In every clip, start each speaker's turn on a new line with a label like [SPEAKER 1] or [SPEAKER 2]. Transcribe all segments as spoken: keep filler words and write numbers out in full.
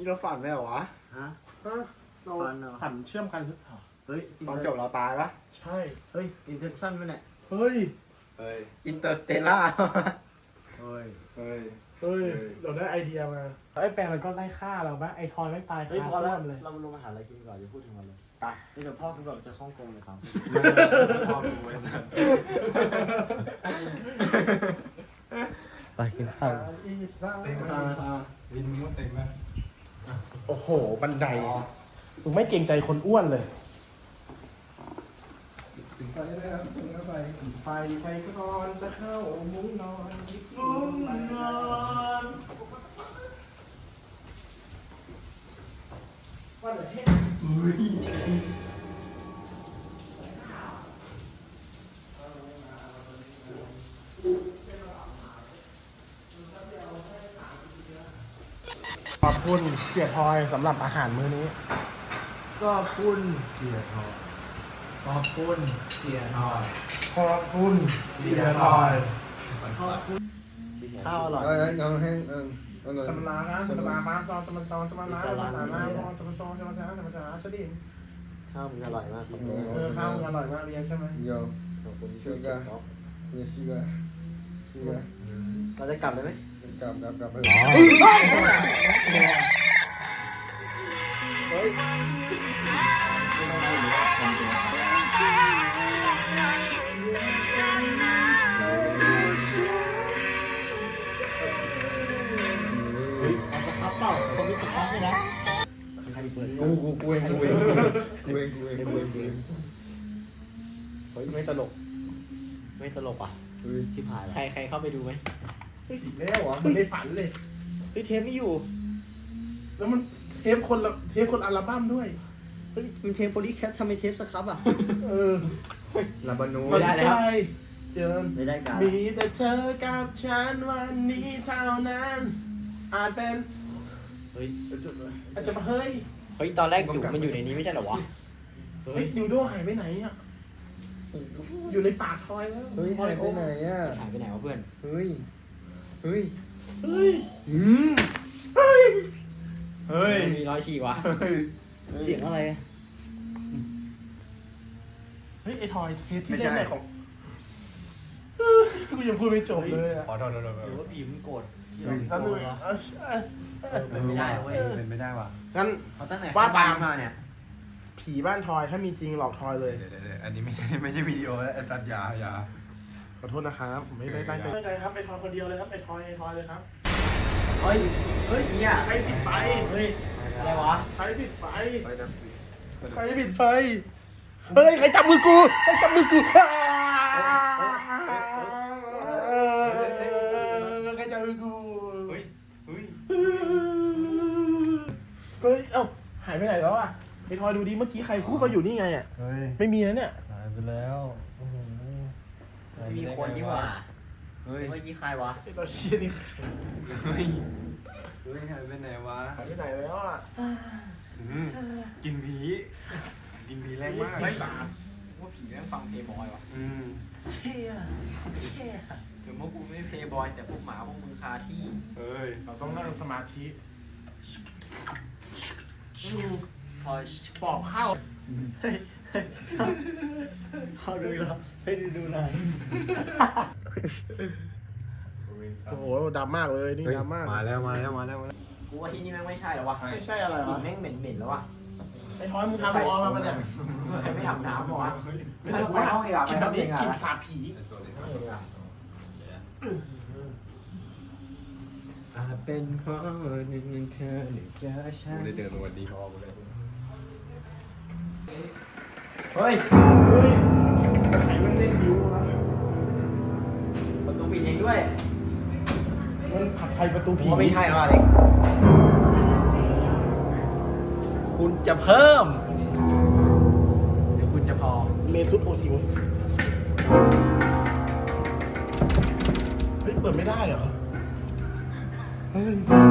[SPEAKER 1] เราฝันไหมเหรอวะ
[SPEAKER 2] ฮะ
[SPEAKER 3] ฮะเรา
[SPEAKER 2] ฝันเหรอ
[SPEAKER 3] ฝันเชื่อมกันหรือเปล่า
[SPEAKER 2] เฮ้ย
[SPEAKER 1] ตอนจบเราตายปะ
[SPEAKER 3] ใช่
[SPEAKER 2] เฮ้ยอินเทอร์ชั่นมั้ยเนี่ย
[SPEAKER 3] เฮ้ย
[SPEAKER 4] เฮ้ย
[SPEAKER 1] อินเตอร์สเตลล่า
[SPEAKER 2] เฮ้ย
[SPEAKER 4] เฮ้ย
[SPEAKER 3] เฮ้ยเราได้ไอเดียมาไอ้แปลงมันก็ไล่ฆ่าเราปะไอ้ทอยไม่ตาย
[SPEAKER 2] เฮ้ย
[SPEAKER 3] คา
[SPEAKER 2] พอ
[SPEAKER 3] ส้
[SPEAKER 2] แล้ว
[SPEAKER 3] วมเลย
[SPEAKER 2] เรามาลงอาหารอะไรกินก่อนอย่าพูดถึงมันเลย
[SPEAKER 1] ไป
[SPEAKER 2] นี่เดี๋ยวพ่อคุณบอกจะฮ่องกงเลยครับ
[SPEAKER 4] พ่อกูไอ้สัส
[SPEAKER 2] ไปกินข้าว
[SPEAKER 3] อีซ่า
[SPEAKER 4] เต็งไหมวินมึงว่าเต็งไหม
[SPEAKER 3] โอ้โหบันไดมึงไม่เกรงใจคนอ้วนเลย
[SPEAKER 4] ถึงไฟได้ครับถึงไฟ
[SPEAKER 3] ไฟไฟก่อนจะเข้ามุ้งนอนคิดถึ
[SPEAKER 2] มุ้
[SPEAKER 3] ง
[SPEAKER 2] งนอน
[SPEAKER 3] ว่าเหรอเฮ้ยขอบคุณเสียพลอยสำหรับอาหารมื้อนี้
[SPEAKER 2] ก็คุณเสียทองขอบคุณเสียทอง
[SPEAKER 3] ขอบคุณเสียพลอย
[SPEAKER 2] ข้าวอร่อย
[SPEAKER 4] เอ้ยเอาแห้งเออเอาหน่อย
[SPEAKER 3] สมนานะสมนามาซอนสมซอนสมนาสมสานาพอสมซอนสมสาสมสาชดิน
[SPEAKER 2] ข้าวมันอร่อยมากครับ
[SPEAKER 3] เออข้าวอร่อยมากเรียนใช่ไหม
[SPEAKER 4] เดี๋ยว
[SPEAKER 2] ขอบคุณ
[SPEAKER 4] ชูการ์เนี่ยชูการ์ชูการ์
[SPEAKER 2] เราจะกลับเลยไหม
[SPEAKER 4] กลับกลับกลับไป
[SPEAKER 2] เฮ้ย เฮ้ยเอาสครับเปล่าคนมีสครับไหมนะใครเปิด
[SPEAKER 4] กูกูกูเองกูเองกูเองกูเองกูเองกูเอง
[SPEAKER 2] เฮ้ยไม่ตลก ไม่ตลกอ่ะ
[SPEAKER 4] เฮ้ย
[SPEAKER 2] ชิบหายใครใครเข้าไปดูไหม
[SPEAKER 3] อีกแล้วเหรอมันในฝันเลย
[SPEAKER 2] เฮ้ยเทปไม่อยู่
[SPEAKER 3] แล้วมันเทปคนละเทปคนอัลบั้มด้วย
[SPEAKER 2] เฮ้ยมันเทปโพลีแคททำไมเทปสครับอ่ะ
[SPEAKER 3] เออ
[SPEAKER 4] ลาบานู
[SPEAKER 2] ไม่ได้แล้ว
[SPEAKER 3] ใกเจอ
[SPEAKER 2] ไม่ได้การ
[SPEAKER 3] มีแต่เธอกับฉันวันนี้เท่านั้น อาจเป็น
[SPEAKER 2] เฮ้ย
[SPEAKER 4] จุดเลย
[SPEAKER 3] อาจจะมาเฮ้ย
[SPEAKER 2] เฮ้ยตอนแรกอยู่มันอยู่ในนี้ไม่ใช่เหรอวะ
[SPEAKER 3] เฮ้ยดิวโดหายไปไหนอ่ะ อยู่ในปากทอยแล้ว
[SPEAKER 4] เฮ้ยหายไปไหนอ่ะ
[SPEAKER 2] หายไปไหนวะเพื่อน
[SPEAKER 4] เฮ้ยเฮ้ย
[SPEAKER 3] เฮ้ย
[SPEAKER 4] อืม
[SPEAKER 3] เฮ้ย
[SPEAKER 4] เฮ้ย
[SPEAKER 2] มีรอยฉีกวะ
[SPEAKER 4] เฮ้ย
[SPEAKER 2] เสียงอะไร
[SPEAKER 3] เฮ้ยไอทอยเทปที่เล่นไหนของกูยังพูดไม่จบเลยอ่ะ
[SPEAKER 4] ขอโทษขอโทษ
[SPEAKER 2] หรือว่าผีมันโกรธที่
[SPEAKER 3] แล้
[SPEAKER 2] เรา
[SPEAKER 3] วนึงเออเออ
[SPEAKER 2] เป็นไม่ได้เว้ย
[SPEAKER 4] เป็นไม่ได้ว่ะ
[SPEAKER 3] งั้น
[SPEAKER 2] เขาตั้งแต่
[SPEAKER 3] ว่าตาม
[SPEAKER 2] มาเนี่ย
[SPEAKER 3] ผีบ้านทอยถ้ามีจริงหลอกทอยเลย
[SPEAKER 4] เดี๋ยวเดี๋ยวอันนี้ไม่ใช่ไม่ใช่วิดีโอแล้วตัดยายา
[SPEAKER 3] ขอโทษนะครับผมไม่ได้ตั้งใจตั้งใจครับไอทอยคนเดียวเลยครับไอทอยไอทอยเลยครับ
[SPEAKER 2] เฮ้ย เฮ้ยเนี่ย
[SPEAKER 3] ใครปิดไฟ
[SPEAKER 2] เฮ้ย อะไรวะ
[SPEAKER 3] ใครปิดไฟ
[SPEAKER 4] ไปดับสิ
[SPEAKER 3] ใครปิดไฟ เฮ้ย ใครจับมือกู ใครจับมือกูใครจับมือกู
[SPEAKER 4] เฮ้ยเฮ้ย
[SPEAKER 3] เฮ้ย เอ้า หายไปไหนแล้วอ่ะไอทอยดูดิ เมื่อกี้ใครพูดมาอยู่นี่ไงอ่ะ
[SPEAKER 4] เฮ้ย
[SPEAKER 3] ไม่มีนะเนี่ย
[SPEAKER 4] หายไปแล้วโอ้โห
[SPEAKER 2] ไม่มีคนนี่หว่า
[SPEAKER 4] เฮ้ย
[SPEAKER 2] เมื่อกี้ใครวะ
[SPEAKER 3] ไอตัวเชี่ยนี่
[SPEAKER 4] เฮ้ยเฮ้ยหายไปไหนวะ
[SPEAKER 3] หายไปไหนแล้วอ่ะ
[SPEAKER 4] อืมกินผีกินผีแรงมาก
[SPEAKER 1] ไม่สาดว่าผีแม่งฟังเพลย์บอยวะ
[SPEAKER 4] อืม
[SPEAKER 2] เชี่ยเชี่ย
[SPEAKER 1] ถึงพวกกูไม่เพลย์บอยแต่พวกหมาพวกมึงคาที่
[SPEAKER 4] เฮ้ย
[SPEAKER 3] เราต้องนั่งสมาธิ
[SPEAKER 2] พอย
[SPEAKER 3] ปอบเข้า
[SPEAKER 2] เข้าดูแล้วให้ดูดูหน่อย
[SPEAKER 3] โอ้โหดำมากเลย นี่
[SPEAKER 4] เฮ้ย
[SPEAKER 3] ดำมาก
[SPEAKER 4] มาแล้วมาแล้วมาแล้วมาแล้ว
[SPEAKER 2] กูว่าที่นี่แม่งไม่ใช่หรอวะ
[SPEAKER 3] ไม่ใช่อะไร
[SPEAKER 2] กลิ่
[SPEAKER 3] วะ
[SPEAKER 2] นแม่งเหม็นๆแล้ววะ
[SPEAKER 3] ไอ้ทอยมึงทำร้อนมาปะเนี่ย
[SPEAKER 2] ใครไม่อาบน้ำหรอวะไม่ต้องไปห้องดีกว่าไป
[SPEAKER 3] กิน
[SPEAKER 2] ห้อง
[SPEAKER 3] แบบ
[SPEAKER 2] เอ
[SPEAKER 3] นี้
[SPEAKER 2] งอ่ะ
[SPEAKER 3] กินสาผี
[SPEAKER 2] อาจเป็นเพราะหนึ่งเธอหนึ่งเจอฉัน
[SPEAKER 4] กูได้เดินมาวันดีพอกูเลย
[SPEAKER 2] เฮ้ย
[SPEAKER 3] เฮ้ยใครมันเล่นบิววะ
[SPEAKER 2] ประตูปิดเองด้วย
[SPEAKER 3] มันขับใครประตู
[SPEAKER 2] ผม
[SPEAKER 3] ผี
[SPEAKER 2] ว่าไม่ใช่หรอกเด็กคุณจะเพิ่มหรือคุณจะพอ
[SPEAKER 3] เมซุตโอซิวเฮ้ย เปิดไม่ได้เหรอ เฮ้ย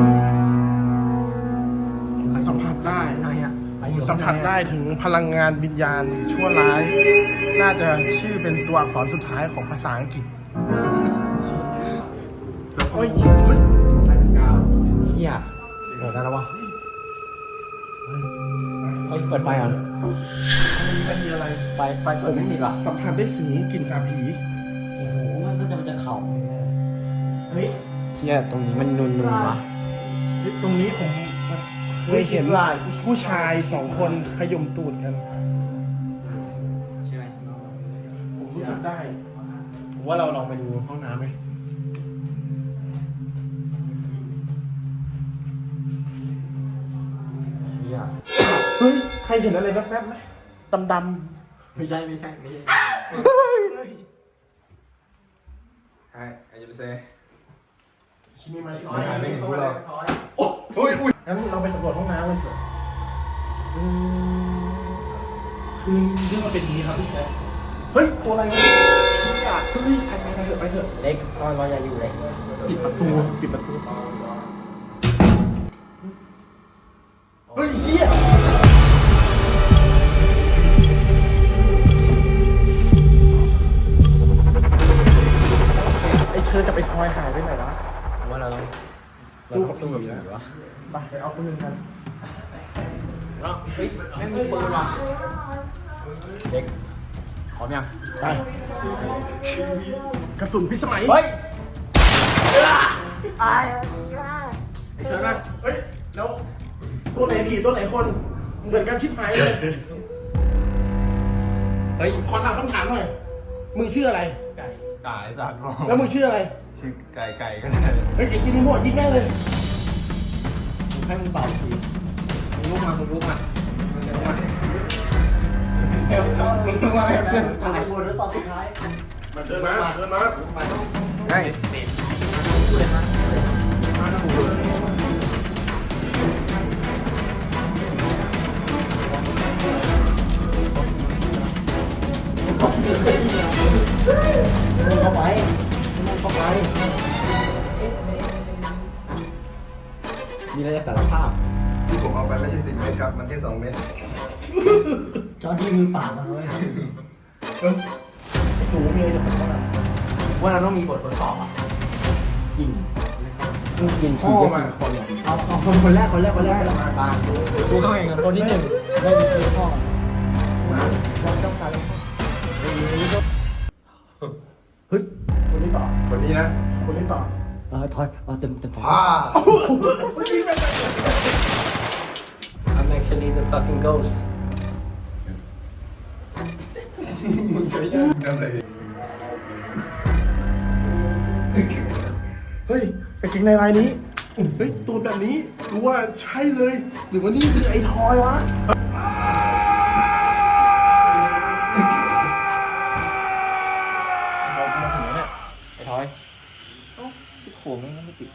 [SPEAKER 3] สัมผัสได้
[SPEAKER 2] หน่อยอ่ะ
[SPEAKER 3] สัมผัสได้ถึงพลังงานวิญญาณชั่วร้าย น่าจะชื่อเป็นตัวอักษรสุดท้ายของภาษาอังกฤษเฮ้ย
[SPEAKER 2] ห้าสิบเก้าเฮียโหดได้แล้ววะ
[SPEAKER 1] เปิดไฟก่อน
[SPEAKER 3] ไม่มีอะไร
[SPEAKER 1] ไฟไฟเปิดไม่ติดว่ะ
[SPEAKER 3] สัมผัสได้ถึงกลิ่นสาบผี
[SPEAKER 2] โอ้โหมันก็จะมันจะเข่าเฮ้ย
[SPEAKER 1] เชี่ยตรงนี้มันนุนๆวะ
[SPEAKER 3] เฮ้ยตรงนี้ผมเคยเห็นผู้ชายสองคนขยมตูดกัน
[SPEAKER 1] ใช่ไหม
[SPEAKER 3] ผมรู้สึกได้ผมว่าเราลองไปดูห้องน้ำไหม
[SPEAKER 1] เชี่ย
[SPEAKER 3] เฮ้ย ใครเห็นอะไรแว๊บๆไหมดำ
[SPEAKER 1] ไม่ใช่ไม่ใช่ไม่ใช่
[SPEAKER 3] ๆเฮ้ย
[SPEAKER 4] ใช่ไอ้ยูเซ่
[SPEAKER 3] ชิมิมาชิ
[SPEAKER 4] ไม่หายไม่เห็นกูหรอก
[SPEAKER 3] โอ้โอ้ยอุ้ยงั้นเราไปสำรวจห้องน้ำกันเถอะอืมคือเรื่องมันเป็นอย่างนี้ครับพี่แจ๊คเฮ้ย ตัวอะไรวะชี้อ่ะเฮ้ยไปไปไปเถอะไปเถอะ
[SPEAKER 1] เล็กตอนเราอย่าอยู่เลย
[SPEAKER 3] ปิดประตู ปิดประตู เฮ้ยเหี้ยไอเชิญกับไอคอยหายไปไหนวะ
[SPEAKER 1] ว่าเราต้อง
[SPEAKER 3] สู้กับ
[SPEAKER 1] สู้กับ
[SPEAKER 3] ผี
[SPEAKER 1] ผี
[SPEAKER 3] นะ
[SPEAKER 1] วะ
[SPEAKER 3] ไปไปเอาคนหนึ่งกัน
[SPEAKER 1] เฮ้ยแม่งมีปืนว่ะเด็กพร้อมยัง
[SPEAKER 3] ไป กระสุนพิสมัย
[SPEAKER 1] เฮ้ย
[SPEAKER 3] ไอเชิญนะเฮ้ย แล้วตัวไหนผีตัวไหนคน เหมือนกันชิบหายเลย
[SPEAKER 1] เฮ้ย
[SPEAKER 3] ขอถามคำถามหน่อย มึงชื่ออะไร
[SPEAKER 1] ไก่
[SPEAKER 4] ไก่สัตว์บอก
[SPEAKER 3] แล้วมึงชื่ออะไร
[SPEAKER 4] ชื่อไก่ไก่ก็ได้
[SPEAKER 3] เฮ้ยไอ้กินนี่หมดยิงแม่งเลย
[SPEAKER 1] มึงให้มึงตอบทีมึงลุกมามึงลุกมามึงลุกมาเร็วมึงลุกมาให้เพื่อนตาย
[SPEAKER 2] บททดสอบสุดท้าย
[SPEAKER 3] มันเดินมา เดินมา
[SPEAKER 1] มาต้อง
[SPEAKER 4] ใช่
[SPEAKER 1] เด็ดพูดเลยนะ
[SPEAKER 3] มาแล้วกูเลย
[SPEAKER 2] มึงเข้าไปมึงเข้าไป
[SPEAKER 1] มีอะไรจะสารภาพ
[SPEAKER 4] ที่ผมเอาไปไม่ใช่สิบเมตรครับ มันแค่สองเมตร
[SPEAKER 2] จอร์ดี้มือปากมาเลย
[SPEAKER 3] เฮ้ยไอ้สูงมีอะไรจะขอโทษอ่ะ
[SPEAKER 1] ว่าเราต้องมีบททดสอบอ่ะกินกิน
[SPEAKER 3] พ่
[SPEAKER 1] ผี
[SPEAKER 3] อ
[SPEAKER 1] ก็
[SPEAKER 3] มา
[SPEAKER 1] กินคนอ่ะ
[SPEAKER 2] เอาเอาคนคนแรกคนแรกคนแรก
[SPEAKER 1] บ้านกูเข้าเองกับคนที่หนึ่ง
[SPEAKER 2] ไม่มีคือพ่อวางจ้องตาแล้ว
[SPEAKER 3] เฮ้ย คนนี้ต่อ
[SPEAKER 4] คนนี้นะ
[SPEAKER 3] คนนี้ต่อ
[SPEAKER 2] เออถอยเอาเต็มเต็ม
[SPEAKER 4] ฮ่า
[SPEAKER 3] เมื่อกี้เป็น
[SPEAKER 1] I'm actually the fucking ghost
[SPEAKER 4] มึงใช้ยากทำอะไร
[SPEAKER 3] เฮ้ยกางเกงในลายนี้ เฮ้ย ตัวแบบนี้กูว่าใช่เลย หรือว่านี่คือไอ้ทอยวะ
[SPEAKER 1] ทอยกูมาถึงแล้วเนี่ยไอ้ทอยเอ้าชิบโขงไม่ติด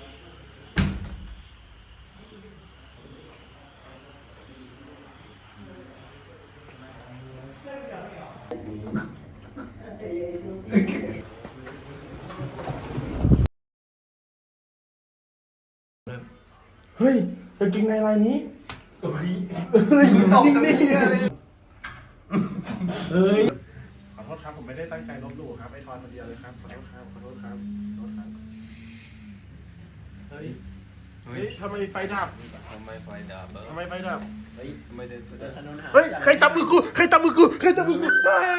[SPEAKER 3] เฮ้ยกางเกงในลายนี้
[SPEAKER 4] เฮ้ย
[SPEAKER 3] เฮ้ย
[SPEAKER 4] ตก
[SPEAKER 3] นิ่ง
[SPEAKER 4] ตรง
[SPEAKER 3] นี่
[SPEAKER 4] นี้เลย
[SPEAKER 3] เฮ้ย ขอโทษครับ ผมไม่ได้ตั้งใจลบหลู่ครับ ไอ้ทอยคนเดียวเลยครับ ขอโทษครับ ขอโทษครับ ขอโทษครับ เฮ้ย เฮ้ยทำไมไฟดับ
[SPEAKER 4] ทำไมไฟดับเบอร์
[SPEAKER 3] ทำไมไฟดับ
[SPEAKER 1] เฮ้ย
[SPEAKER 4] ทำไมเดินเสด็จ
[SPEAKER 1] ถนนหา
[SPEAKER 3] เฮ้ย ใครจับมือกู ใครจับมือกู ใครจับมือกูเฮ้ย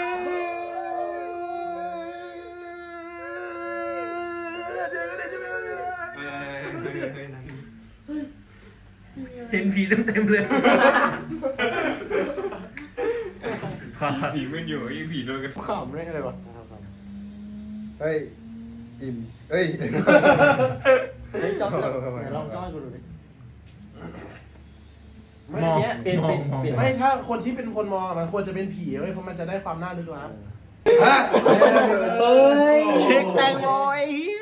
[SPEAKER 4] เฮ้ยเฮ้ยเฮ้ยเฮ้ยนั่น
[SPEAKER 1] เห็นผีเต็มๆเลย
[SPEAKER 4] ผีมันอยู่ยังผีโดนกัน
[SPEAKER 1] ขำได้เลยวะ
[SPEAKER 4] เฮ้ย อิ่มเฮ้ย
[SPEAKER 2] เฮ้ยจ้องไหนลองจ้องกูดูดิ
[SPEAKER 3] ไม่
[SPEAKER 1] มอง
[SPEAKER 3] เนี้ยเป็นเป็น
[SPEAKER 1] มอง
[SPEAKER 3] เป็นไม่ถ้าคนที่เป็นคนมองอะมันควรจะเป็นผีเว้ยเพราะมันจะได้ความน่าลึกลับ
[SPEAKER 4] ฮะ
[SPEAKER 2] เฮ้ย
[SPEAKER 3] เค้กแตงโม